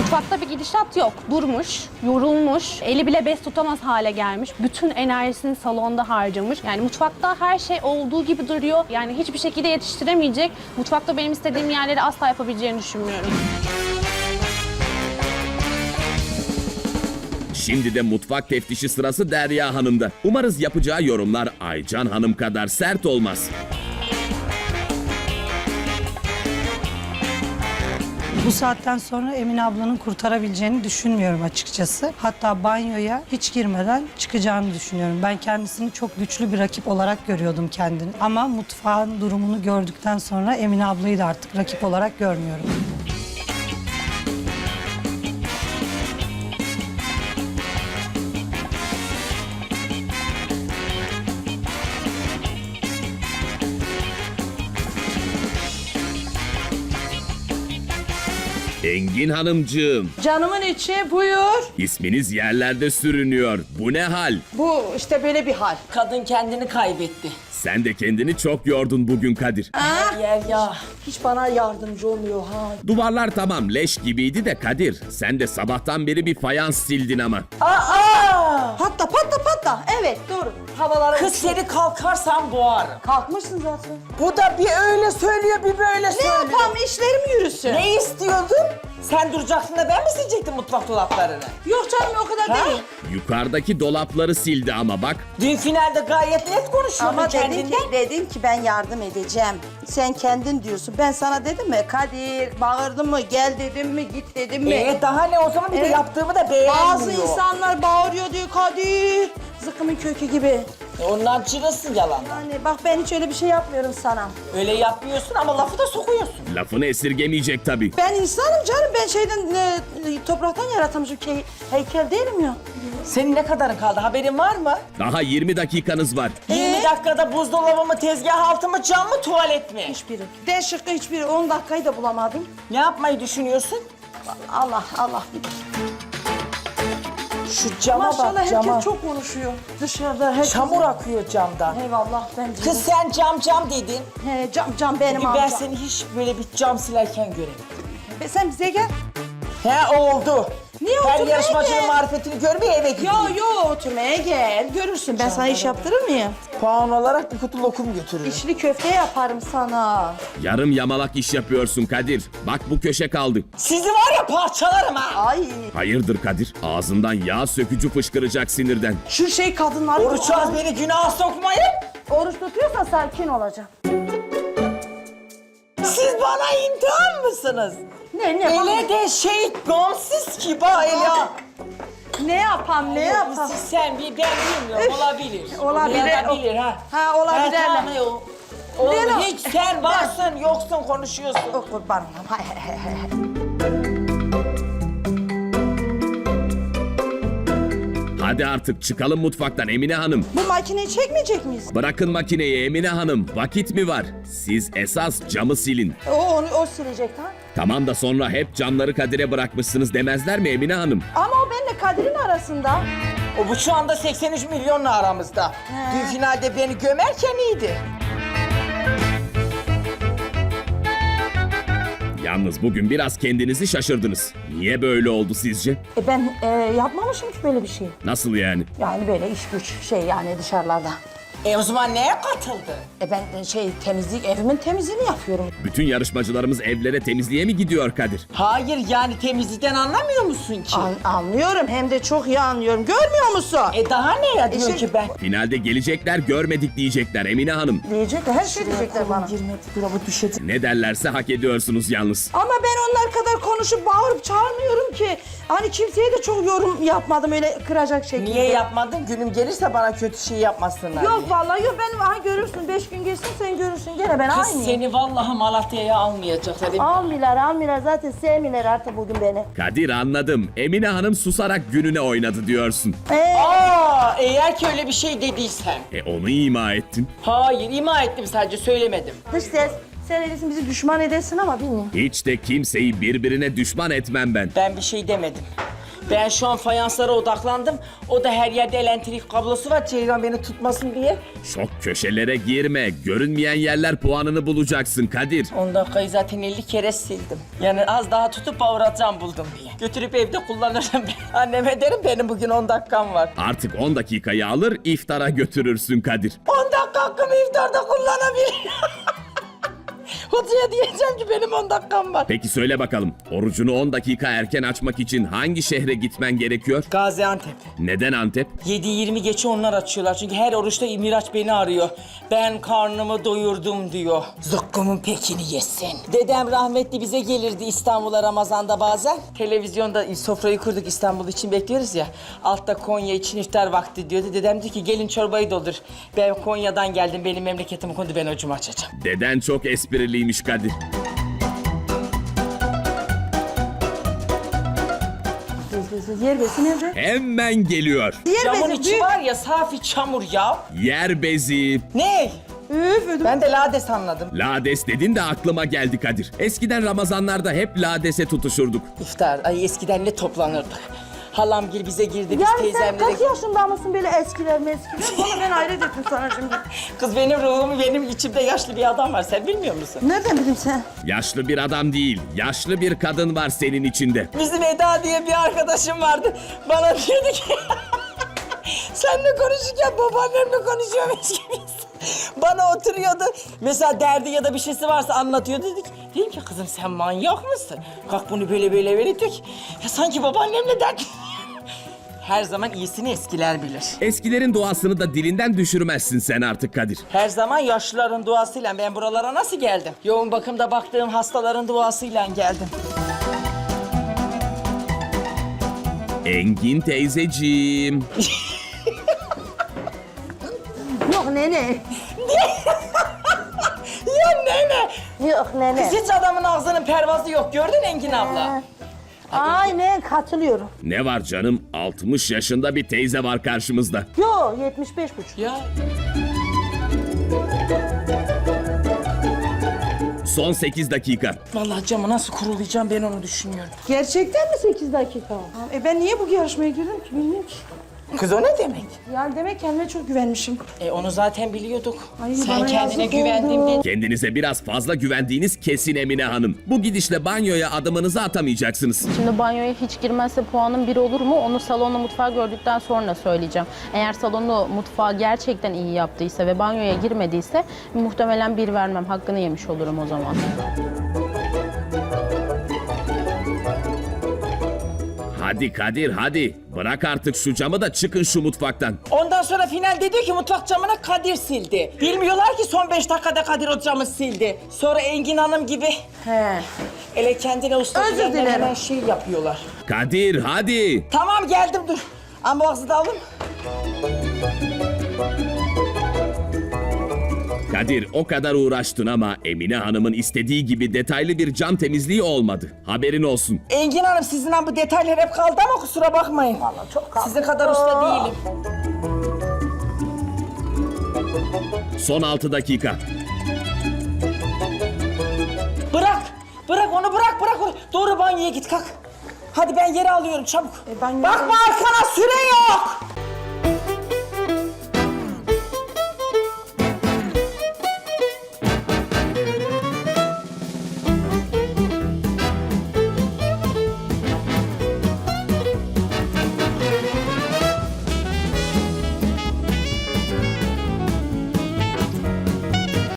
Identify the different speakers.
Speaker 1: Mutfakta bir gidişat yok. Durmuş, yorulmuş, eli bile bez tutamaz hale gelmiş. Bütün enerjisini salonda harcamış. Yani mutfakta her şey olduğu gibi duruyor. Yani hiçbir şekilde yetiştiremeyecek. Mutfakta benim istediğim yerleri asla yapabileceğini düşünmüyorum.
Speaker 2: Şimdi de mutfak teftişi sırası Derya Hanım'da. Umarız yapacağı yorumlar Aycan Hanım kadar sert olmaz.
Speaker 3: Bu saatten sonra Emine ablanın kurtarabileceğini düşünmüyorum açıkçası. Hatta banyoya hiç girmeden çıkacağını düşünüyorum. Ben kendisini çok güçlü bir rakip olarak görüyordum kendini. Ama mutfağın durumunu gördükten sonra Emine ablayı da artık rakip olarak görmüyorum.
Speaker 2: Engin Hanımcığım,
Speaker 4: Canımın içi buyur.
Speaker 2: isminiz yerlerde sürünüyor. Bu ne hal?
Speaker 4: Bu işte böyle bir hal.
Speaker 5: Kadın kendini kaybetti.
Speaker 2: Sen de kendini çok yordun bugün Kadir.
Speaker 5: Her yer ya.
Speaker 4: Hiç bana yardımcı olmuyor ha.
Speaker 2: Duvarlar tamam leş gibiydi de Kadir. Sen de sabahtan beri bir fayans sildin ama.
Speaker 5: Aa!
Speaker 4: Patla patla patla. Evet doğru. Havalara
Speaker 5: Kız seni kalkarsan boğarım.
Speaker 4: kalkmışsın zaten.
Speaker 5: Bu da bir öyle söylüyor bir böyle
Speaker 4: Ne
Speaker 5: söylüyor.
Speaker 4: yapalım işlerim yürüsün.
Speaker 5: Ne istiyordun? Sen duracaksın da ben mi silecektim mutfak dolaplarını?
Speaker 4: Yok canım o kadar
Speaker 5: Ha?
Speaker 4: değil.
Speaker 2: Yukarıdaki dolapları sildi ama bak.
Speaker 5: Dün finalde gayet net konuşuyordun
Speaker 6: Ama
Speaker 5: kendinden.
Speaker 6: dedim ki ben yardım edeceğim. Sen kendin diyorsun. Ben sana dedim mi Kadir bağırdım mı gel dedim mi git dedim mi?
Speaker 5: Daha ne o zaman bir de
Speaker 6: Evet.
Speaker 5: yaptığımı da beğenmiyor.
Speaker 4: Bazı insanlar bağırıyor diyor Kadir. Zıkkımın kökü gibi.
Speaker 5: Ondan çırılsın yalan.
Speaker 6: Yani bak ben hiç öyle bir şey yapmıyorum sana.
Speaker 5: Öyle yapmıyorsun ama lafı da sokuyorsun.
Speaker 2: Lafını esirgemeyecek tabii.
Speaker 4: Ben insanım canım. Ben topraktan yaratılmışım. Heykel değilim ya.
Speaker 5: Senin ne kadarın kaldı haberin var mı?
Speaker 2: Daha 20 dakikanız var.
Speaker 5: 20 dakikada buzdolabı mı, tezgah altı mı, cam mı, tuvalet mi?
Speaker 4: Hiçbiri. D şıkkı hiçbiri. 10 dakikayı da bulamadım.
Speaker 5: Ne yapmayı düşünüyorsun?
Speaker 6: Allah bilir.
Speaker 5: Şu cama
Speaker 4: Maşallah
Speaker 5: bak, cama.
Speaker 4: herkes çok konuşuyor. Dışarıda herkes.
Speaker 5: Çamur akıyor camdan.
Speaker 4: Eyvallah ben
Speaker 5: Kız sen cam dedin.
Speaker 4: He, cam benim
Speaker 5: Ben
Speaker 4: amcam.
Speaker 5: seni hiç böyle bir cam silerken göremedim.
Speaker 4: Sen bize gel.
Speaker 5: He oldu.
Speaker 4: Niye
Speaker 5: Ben
Speaker 4: oturmaya
Speaker 5: yarışmacının
Speaker 4: gel?
Speaker 5: marifetini görmeye eve gideyim.
Speaker 4: Yo oturmaya gel. Görürsün ben sana iş yaptırır mıyım?
Speaker 5: Puan olarak bir kutu lokum götürürüm.
Speaker 4: İçli köfte yaparım sana.
Speaker 2: Yarım yamalak iş yapıyorsun Kadir. Bak bu köşe kaldı.
Speaker 5: Sizi var ya parçalarım ha.
Speaker 4: Ay
Speaker 2: Hayırdır Kadir? Ağzından yağ sökücü fışkıracak sinirden.
Speaker 4: şu kadınlar.
Speaker 5: Oruç az beni günaha sokmayın.
Speaker 4: Oruç tutuyorsan sakin olacaksın.
Speaker 5: Siz bana imtihan mısınız?
Speaker 4: Ne
Speaker 5: Ele de şey gamsız ki bak ya.
Speaker 4: Ne yapam ne yapam?
Speaker 5: Siz sen bir ben bilmiyorum olabilir.
Speaker 4: Olabilir.
Speaker 5: Olabilir ha.
Speaker 4: Ha olabilir.
Speaker 5: Ha, tamam, o. Oğlum,
Speaker 4: Ne
Speaker 5: hiç sen varsın yoksun konuşuyorsun.
Speaker 4: O kurban olayım. Hay, hay, hay, hay.
Speaker 2: Hadi artık çıkalım mutfaktan Emine Hanım.
Speaker 4: Bu makineyi çekmeyecek miyiz?
Speaker 2: Bırakın makineyi Emine Hanım. Vakit mi var? Siz esas camı silin.
Speaker 4: O silecek ha.
Speaker 2: Tamam da sonra hep camları Kadir'e bırakmışsınız demezler mi Emine Hanım?
Speaker 4: Ama o benimle Kadir'in arasında.
Speaker 5: O bu şu anda 83 milyonla aramızda. Dün finalde beni gömerken iyiydi.
Speaker 2: Yalnız bugün biraz kendinizi şaşırdınız. Niye böyle oldu sizce?
Speaker 4: Ben yapmamışım ki böyle bir şey.
Speaker 2: Nasıl yani?
Speaker 4: Yani böyle iş güç yani dışarılarda.
Speaker 5: O zaman neye katıldı?
Speaker 4: Ben temizlik evimin temizliğini yapıyorum.
Speaker 2: Bütün yarışmacılarımız evlere temizliğe mi gidiyor Kadir?
Speaker 5: Hayır yani temizlikten anlamıyor musun ki?
Speaker 4: Anlıyorum hem de çok iyi anlıyorum. Görmüyor musun?
Speaker 5: Daha ne ya diyor ki ben?
Speaker 2: Finalde gelecekler görmedik diyecekler Emine Hanım.
Speaker 4: Diyecekler her şey diyecekler bana.
Speaker 5: Girmedi dolabı düşecek.
Speaker 2: Ne derlerse hak ediyorsunuz yalnız.
Speaker 4: Ama ben onlar kadar konuşup bağırıp çağırmıyorum ki. Hani kimseye de çok yorum yapmadım öyle kıracak şekilde.
Speaker 5: Niye yapmadın? Günüm gelirse bana kötü şey yapmasınlar
Speaker 4: Yok
Speaker 5: diye.
Speaker 4: vallahi yok ben görürsün 5 gün geçsin sen görürsün gene ben
Speaker 5: Kız
Speaker 4: aynıyım.
Speaker 5: seni vallahi Malatya'ya almayacaklar.
Speaker 4: Almıyorlar zaten sevmiyorlar artık bugün beni.
Speaker 2: Kadir anladım. Emine Hanım susarak gününe oynadı diyorsun.
Speaker 5: Eğer ki öyle bir şey dediysen.
Speaker 2: Onu ima ettin.
Speaker 5: Hayır ima ettim sadece söylemedim.
Speaker 4: Dış ses sen öylesin bizi düşman edersin ama bilmiyorum.
Speaker 2: Hiç de kimseyi birbirine düşman etmem ben.
Speaker 5: Ben bir şey demedim. Ben şu an fayanslara odaklandım. O da her yerde elektrik kablosu var. Ceylan beni tutmasın diye.
Speaker 2: Çok köşelere girme. Görünmeyen yerler puanını bulacaksın Kadir.
Speaker 5: 10 dakikayı zaten 50 kere sildim. Yani az daha tutup bağıratacağım buldum diye. Götürüp evde kullanırım. Anneme derim benim bugün 10 dakikam var.
Speaker 2: Artık 10 dakikayı alır iftara götürürsün Kadir.
Speaker 5: 10 dakika hakkımı iftarda kullanabilirim. Hocaya diyeceğim ki benim 10 dakikam var.
Speaker 2: Peki söyle bakalım, orucunu 10 dakika erken açmak için hangi şehre gitmen gerekiyor?
Speaker 5: Gaziantep.
Speaker 2: Neden Antep?
Speaker 5: 7-20 geçe onlar açıyorlar. Çünkü her oruçta Miraç beni arıyor. Ben karnımı doyurdum diyor. Zıkkımın pekini yesin. Dedem rahmetli bize gelirdi İstanbul'a Ramazan'da bazen. Televizyonda sofrayı kurduk, İstanbul için bekliyoruz ya. Altta Konya için iftar vakti diyordu. Dedem diyor ki gelin çorbayı doldur. Ben Konya'dan geldim, benim memleketim kondu, ben orucumu açacağım.
Speaker 2: Deden çok espriliymiş Kadir.
Speaker 4: Yer bezi nerede?
Speaker 2: Hemen geliyor.
Speaker 4: Yer
Speaker 5: Camın
Speaker 4: bezi
Speaker 5: içi
Speaker 4: büyük.
Speaker 5: var ya safi çamur ya.
Speaker 2: Yer bezi.
Speaker 5: Ne?
Speaker 4: Üf ödüm.
Speaker 5: Ben de lades anladım.
Speaker 2: Lades dedin de aklıma geldi Kadir. Eskiden Ramazanlarda hep ladese tutuşurduk.
Speaker 5: İftar, ay eskiden ne toplanırdık. Halamgil bize girdi, biz
Speaker 4: Yani sen
Speaker 5: teyzemlere...
Speaker 4: kaç yaşında mısın böyle eskiler meskiler? Bana ben hayret ettim sana şimdi.
Speaker 5: Kız benim ruhumu, benim içimde yaşlı bir adam var, sen bilmiyor musun?
Speaker 4: Nereden bileyim sen?
Speaker 2: Yaşlı bir adam değil, yaşlı bir kadın var senin içinde.
Speaker 5: Bizim Eda diye bir arkadaşım vardı. Bana diyordu ki... Seninle konuşurken babaannemle konuşuyormuş gibiyiz. Bana oturuyordu. Mesela derdi ya da bir şeysi varsa anlatıyordu. Dedim ki kızım sen manyak mısın? Kalk bunu böyle verirdik. Ya sanki babaannemle dert... Her zaman iyisini eskiler bilir.
Speaker 2: Eskilerin duasını da dilinden düşürmezsin sen artık Kadir.
Speaker 5: Her zaman yaşlıların duasıyla ben buralara nasıl geldim? Yoğun bakımda baktığım hastaların duasıyla geldim.
Speaker 2: Engin teyzeciğim.
Speaker 4: Yok nene.
Speaker 5: Ya nene!
Speaker 4: Yok nene.
Speaker 5: Kız hiç adamın ağzının pervazı yok. Gördün Engin abla?
Speaker 4: Aynen katılıyorum.
Speaker 2: Ne var canım? 60 yaşında bir teyze var karşımızda.
Speaker 4: Yo 75,5.
Speaker 5: Ya
Speaker 2: Son 8 dakika.
Speaker 5: vallahi camı nasıl kurulayacağım ben onu düşünüyorum.
Speaker 4: Gerçekten mi 8 dakika? Ben niye bu yarışmaya girdim ki bilmiyorum ki.
Speaker 5: Kız o ne demek?
Speaker 4: Yani demek kendime çok güvenmişim.
Speaker 5: Onu zaten biliyorduk.
Speaker 4: Ay,
Speaker 5: Sen
Speaker 4: bana
Speaker 5: kendine
Speaker 4: yazık
Speaker 5: güvendim
Speaker 4: oldu.
Speaker 5: diye.
Speaker 2: Kendinize biraz fazla güvendiğiniz kesin Emine Hanım. Bu gidişle banyoya adımınızı atamayacaksınız.
Speaker 7: Şimdi banyoya hiç girmezse puanım 1 olur mu? Onu salonla mutfağı gördükten sonra söyleyeceğim. Eğer salonu mutfağı gerçekten iyi yaptıysa ve banyoya girmediyse muhtemelen 1 vermem. Hakkını yemiş olurum o zaman.
Speaker 2: Hadi Kadir hadi. Bırak artık şu camı da çıkın şu mutfaktan.
Speaker 5: Ondan sonra finalde diyor ki mutfak camına Kadir sildi. Bilmiyorlar ki son 5 dakikada Kadir o camı sildi. Sonra Engin Hanım gibi ele kendine usta
Speaker 4: Özür
Speaker 5: diyenler
Speaker 4: dilerim.
Speaker 5: hemen şey yapıyorlar.
Speaker 2: Kadir hadi.
Speaker 5: Tamam geldim dur. Amboğazı da alın.
Speaker 2: Kadir o kadar uğraştın ama Emine Hanım'ın istediği gibi detaylı bir cam temizliği olmadı. Haberin olsun.
Speaker 5: Engin Hanım sizin bu detaylar hep kaldı ama kusura bakmayın. Vallahi çok kaldı. Sizin kadar usta değilim.
Speaker 2: Son 6 dakika.
Speaker 5: Bırak. Bırak onu bırak. Doğru banyoya git kalk. Hadi ben yeri alıyorum çabuk.
Speaker 4: banyoya-
Speaker 5: Bakma arkana süre yok.